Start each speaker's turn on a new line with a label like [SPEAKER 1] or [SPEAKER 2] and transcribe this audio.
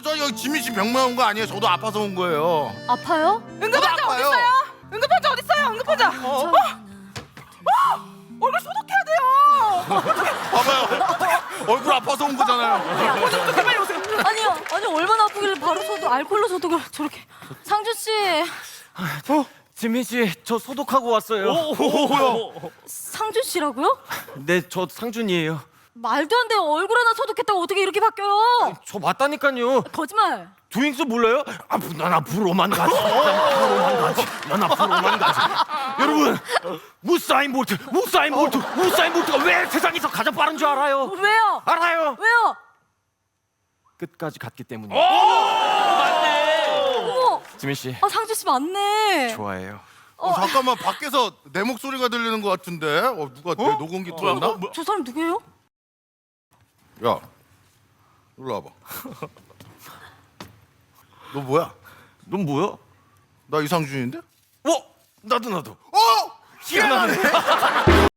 [SPEAKER 1] 저 여기 지민 씨 병만 온 거 아니에요? 저도 아파서 온 거예요.
[SPEAKER 2] 아파요?
[SPEAKER 3] 응급환자
[SPEAKER 1] 아파요.
[SPEAKER 3] 어딨어요? 응급환자 어딨어요? 응급환자. 얼굴 소독해야 돼요.
[SPEAKER 1] 봐봐요. 얼굴 아파서 온 거잖아요.
[SPEAKER 3] 소독 빨리 오세요.
[SPEAKER 2] 아니요. 아니 얼마나 아프길래 바로 소독 알콜로 소독을 저렇게. 상준 씨.
[SPEAKER 4] 지민 씨, 저 소독하고 왔어요.
[SPEAKER 2] 상준 씨라고요?
[SPEAKER 4] 네, 저 상준이에요.
[SPEAKER 2] 말도 안 돼. 얼굴 하나 소독했다고 어떻게 이렇게 바뀌어요?
[SPEAKER 4] 저 맞다니까요.
[SPEAKER 2] 거짓말.
[SPEAKER 4] 두잉스 몰라요? 난 앞으로만 가지. 난 앞으로만 가지. 여러분, 우사인 볼트가 왜 세상에서 가장 빠른 줄 알아요?
[SPEAKER 2] 왜요?
[SPEAKER 4] 알아요.
[SPEAKER 2] 왜요?
[SPEAKER 4] 끝까지 갔기 때문이에요.
[SPEAKER 2] 어머.
[SPEAKER 4] 지민 씨,
[SPEAKER 2] 상준 씨 맞네.
[SPEAKER 4] 좋아해요.
[SPEAKER 1] 잠깐만 밖에서 내 목소리가 들리는 것 같은데. 누가 내 녹음기 틀었나?
[SPEAKER 2] 저 사람 누구예요?
[SPEAKER 1] 야, 일로 와봐. 너 뭐야?
[SPEAKER 4] 넌 뭐야?
[SPEAKER 1] 나 이상준인데?
[SPEAKER 4] 나도.
[SPEAKER 1] 희한하네.